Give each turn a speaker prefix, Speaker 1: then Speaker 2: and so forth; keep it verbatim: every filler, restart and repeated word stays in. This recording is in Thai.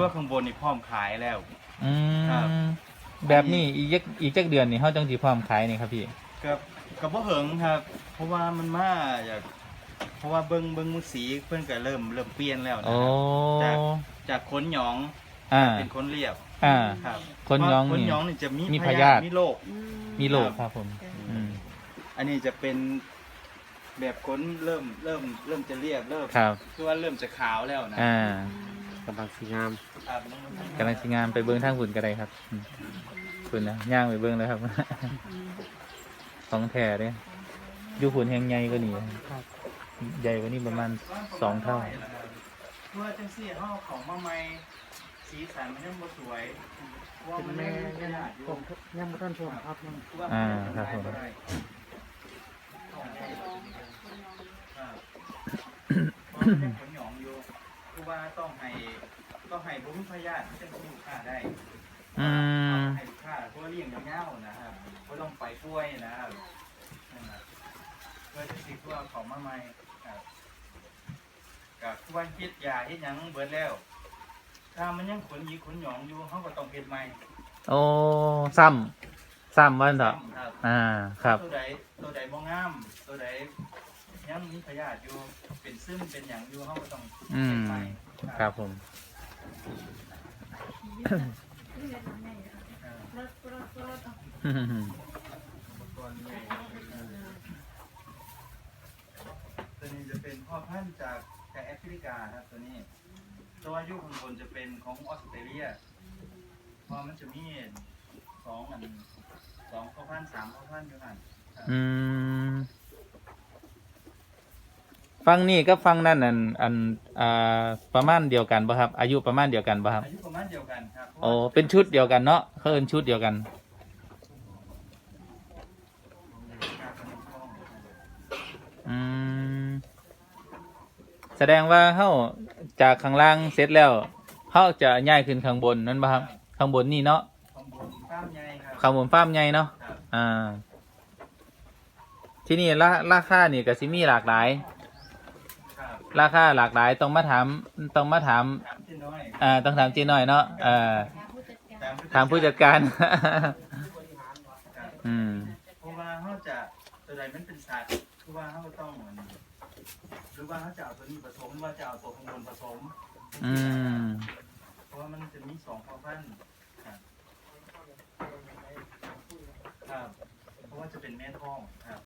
Speaker 1: ตัวข้างบนนี่พร้อมขายแล้ว
Speaker 2: อื
Speaker 1: ครับ
Speaker 2: มแบบนี้อีกจักอีกจักเดือนนี่เฮาจังสิพร้อมขายนี่ครับพี่
Speaker 1: กับกับบ่เหิงครับ เพราะว่ามันมาจากเพราะว่าเบิ่งเบิ่งมือสีเพิ่นก็เริ่มเริ่มเปลี่ยนแล้วนะ
Speaker 2: โอ้
Speaker 1: ครับจากจากขนหยอง
Speaker 2: อ่า
Speaker 1: เป็นขนเรียบ
Speaker 2: อ่า
Speaker 1: ครับ
Speaker 2: ขนหยอง
Speaker 1: เพราะขน
Speaker 2: นี่
Speaker 1: หยองนี่จะมี
Speaker 2: มี
Speaker 1: พ
Speaker 2: พ
Speaker 1: ยาย
Speaker 2: า
Speaker 1: ธิ
Speaker 2: ธิ
Speaker 1: มีโรค
Speaker 2: มีโรคครับผมอืม
Speaker 1: อันนี้จะเป็นแบบขนเริ่มเริ่มเริ่มจะเรียบเริ่ม
Speaker 2: ครับ
Speaker 1: คือว่าเริ่มจะขาวแล้วนะ
Speaker 2: อ่า
Speaker 3: กำลังสีงาม
Speaker 1: ครับ
Speaker 2: กำลังสิงามไปเบิ่งทางฝุ่นก็ได้ครับอืมฝุ่นนะย่างไปเบิ่งเลยครับ ของแท้เด้อยู่ฝุ่นแห่งใหญ่กว่านี้ครับใหญ่กว่านี้ประมาณสองเท่า
Speaker 1: เพื่อจังซี่เฮาของมาใหม่สีสันมันยังบ่สวยเพราะว่ามัน
Speaker 3: แม่
Speaker 1: ยัง
Speaker 3: ยัง
Speaker 1: ขนาดอยู่
Speaker 3: ผมยังไม่ทันชมครับยัง
Speaker 2: อ่าครับผม
Speaker 1: ขนหยองอยู่คือว่าต้องให้ต้องให้บุ้มพยาธิที่จะมีลูกค้าได้
Speaker 2: อืม
Speaker 1: ให้ลูกค้าเพราะว่าเลี้ยงยาวๆนะครับเพราะต้องไปกล้วยนะครับนั่นน่ะเพื่อที่สิว่าของมาใหม่ครับกับทุกวันคิดยาเฮ็ดหยังเบิดแล้ว ถ้ามันยังขนหยีขนหยองอยู่เขาก็ต้องเฮ็ดใหม่
Speaker 2: โอ้ซ้ำซ้ำวันเถอะ
Speaker 1: ครับ
Speaker 2: อ่าครับ
Speaker 1: ตัวใดตัวใดบ่งาม ตัวใดยังมีพยาธิอยู่เป็นซึมเป็นหยังอยู่เขาก็ต้อง
Speaker 2: อื
Speaker 1: เฮ็
Speaker 2: ม
Speaker 1: ดใหม่
Speaker 2: ครับผม
Speaker 1: ตัวนี้จะเป็นพ่อพันธุ์จากจากแอฟริกาครับตัวนี้ ตัวอายุข้างบนจะเป็นของออสเตรเลียเพราะมันจะมีสองอันสองพ่อพันธุ์สามพ่อพันธุ์อยู่กันครับ
Speaker 2: อืมฟังนี่ก็ฟังนั่นอันอันอ่าประมาณเดียวกันป่ะครับ อายุประมาณเดียวกันป่ะครับ
Speaker 1: อายุประมาณเดียวกันครับ
Speaker 2: โอ้เป็นชุดเดียวกันเนาะเขาเอินชุดเดียวกัน อืมแสดงว่าเขาจากข้างล่างเสร็จแล้วเขาจะย้ายขึ้นข้างบนนั่นป่ะครับข้างบนนี่เนาะ
Speaker 1: ข้างบนฟ้ามใหญ่ครับ
Speaker 2: ข้างบนฟ้าร์มใหญ่เนาะ
Speaker 1: ครับ
Speaker 2: อ่า ที่นี่ราราคานี่ก็สิมีหลากหลาย
Speaker 1: ครับ
Speaker 2: ราคาหลากหลายต้องมาถามต้องมาถาม
Speaker 1: ถามที่น้อย
Speaker 2: อ่าต้องถามเจีหน่อยเนาะเอ่อ
Speaker 1: ถาม
Speaker 2: ถามผู้จัดการ
Speaker 1: ครับ
Speaker 2: อืม
Speaker 1: เพราะว่าเขาจะตัวใดมันเป็นสัตว์คือว่าเขาก็ต้องเหมือนหรือว่าเขาจะเอาตัวนี้ผสมหรือว่าจะเอาตัวข้างบนผสม
Speaker 2: อืม
Speaker 1: เพราะว่ามันจะมีสองพ่อพันธุ์ครับครับเพราะว่าจะเป็นแม่ท้องครับ